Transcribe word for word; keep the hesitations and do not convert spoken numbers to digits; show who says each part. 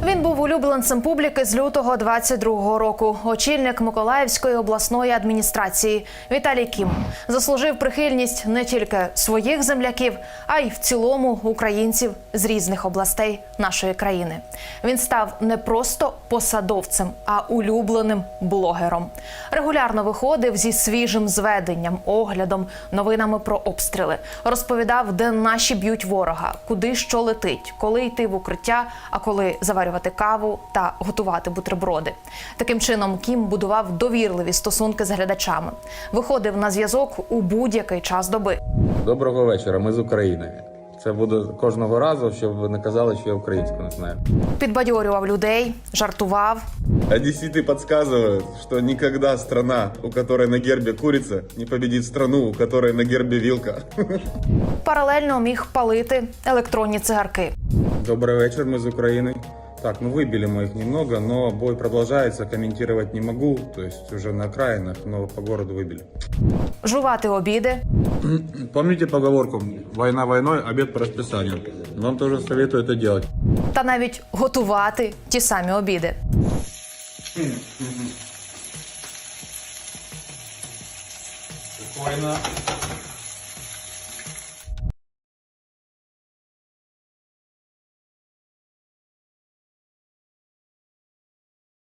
Speaker 1: Він був улюбленцем публіки з лютого двадцять другого року. Очільник Миколаївської обласної адміністрації Віталій Кім заслужив прихильність не тільки своїх земляків, а й в цілому українців з різних областей нашої країни. Він став не просто посадовцем, а улюбленим блогером. Регулярно виходив зі свіжим зведенням, оглядом, новинами про обстріли. Розповідав, де наші б'ють ворога, куди що летить, коли йти в укриття, а коли заварювати каву та готувати бутерброди. Таким чином Кім будував довірливі стосунки з глядачами. Виходив на зв'язок у будь-який час доби.
Speaker 2: Доброго вечора, ми з України. Це буде кожного разу, щоб ви не казали, що я українську не знаю.
Speaker 1: Підбадьорював людей, жартував.
Speaker 2: Одесситы подсказывают, что никогда страна, у которой на гербе курица, не победит страну, у которой на гербе вилка.
Speaker 1: Паралельно міг палити електронні цигарки.
Speaker 2: Добрый вечер, мы из Украины. Так, ну выбили мы их немного, но бой продолжается, комментировать не могу, то есть уже на окраинах, но по городу выбили.
Speaker 1: Жувати обіди.
Speaker 2: Помните поговорку «Война войной, обед по расписанию»? Вам тоже советую это делать.
Speaker 1: Та навіть готувати ті самі обіди.
Speaker 2: Спокойно.